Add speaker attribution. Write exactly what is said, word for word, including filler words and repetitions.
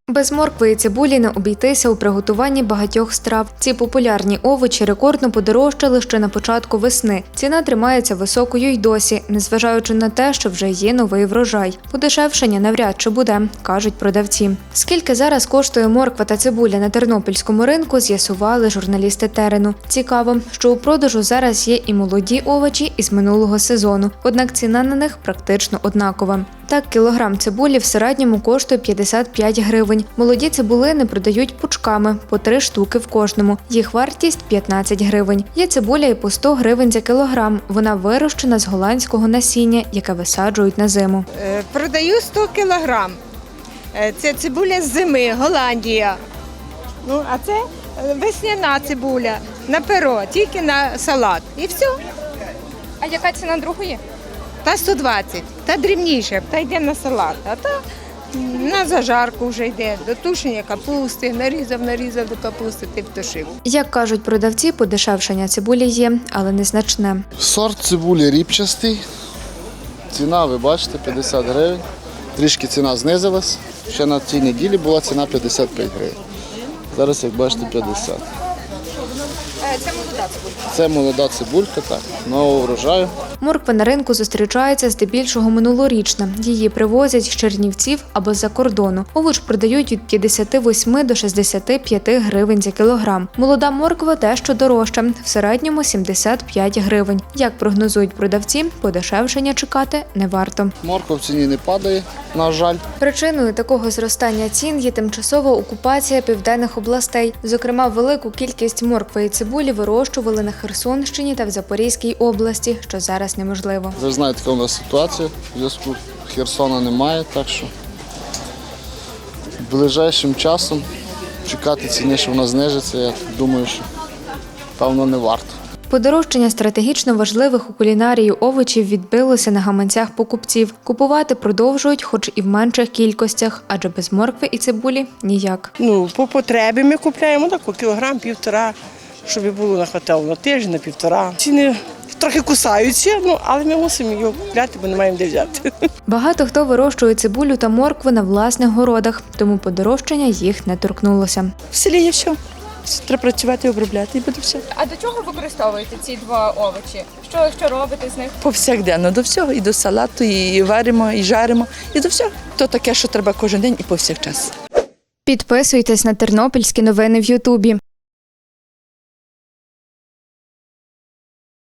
Speaker 1: Без моркви і цибулі не обійтися у приготуванні багатьох страв. Ці популярні овочі рекордно подорожчали ще на початку весни. Ціна тримається високою й досі, незважаючи на те, що вже є новий врожай. Подешевшення навряд чи буде, кажуть продавці. Скільки зараз коштує морква та цибуля на тернопільському ринку, з'ясували журналісти терену. Цікаво, що у продажу зараз є і молоді овочі із минулого сезону, однак ціна на них практично однакова. Так, кілограм цибулі в середньому коштує п'ятдесят п'ять гривень. Молоді цибулини продають пучками, по три штуки в кожному. Їх вартість – п'ятнадцять гривень. Є цибуля і по сто гривень за кілограм. Вона вирощена з голландського насіння, яке висаджують на зиму.
Speaker 2: Е, Продаю сто кілограм. Е, Це цибуля з зими, Голландія. Ну, а це е, весняна цибуля на перо, тільки на салат. І все.
Speaker 3: А яка ціна другої?
Speaker 2: Та сто двадцять, та дрібніше, та йде на салат. А та на зажарку вже йде, до тушення капусти, нарізав, нарізав до капусти, ти втушив.
Speaker 1: Як кажуть продавці, подешевшення цибулі є, але незначне.
Speaker 4: Сорт цибулі ріпчастий. Ціна, ви бачите, п'ятдесят гривень. Трішки ціна знизилась. Ще на цій неділі була ціна п'ятдесят п'ять гривень. Зараз, як бачите, п'ятдесят.
Speaker 3: Це молода цибулька.
Speaker 4: Це молода цибулька, так, нового врожаю.
Speaker 1: Морква на ринку зустрічається здебільшого минулорічна. Її привозять з Чернівців або з-за кордону. Овоч продають від п'ятдесят вісім до шістдесят п'ять гривень за кілограм. Молода морква дещо дорожча, в середньому сімдесят п'ять гривень. Як прогнозують продавці, подешевшення чекати не варто.
Speaker 4: Морква в ціні не падає, на жаль.
Speaker 1: Причиною такого зростання цін є тимчасова окупація південних областей. Зокрема, велику кількість моркви і цибулі вирощували на Херсонщині та в Запорізькій області, що зараз неможливо.
Speaker 4: Ви знаєте, яка у нас ситуація. Зв'язку Херсона немає, так що ближайшим часом чекати ціни, що вона знижиться, я думаю, що певно не варто.
Speaker 1: Подорожчання стратегічно важливих у кулінарії овочів відбилося на гаманцях покупців. Купувати продовжують, хоч і в менших кількостях, адже без моркви і цибулі – ніяк.
Speaker 5: Ну, по потребі ми купляємо таку кілограм, півтора, щоб було на хватало на тиждень, на півтора. Ціни трохи кусаються, ну, але ми мусимо його купляти, бо не маємо де взяти.
Speaker 1: Багато хто вирощує цибулю та моркву на власних городах, тому подорожчання їх не торкнулося.
Speaker 5: В селі є все. Треба працювати і обробляти, і буде все.
Speaker 3: А до чого використовуєте ці два овочі? Що, що робите з них?
Speaker 6: Повсякденно, до всього, і до салату, і варимо, і жаримо, і до всього. То таке, що треба кожен день і повсякчас.
Speaker 1: Підписуйтесь на тернопільські новини в Ютубі.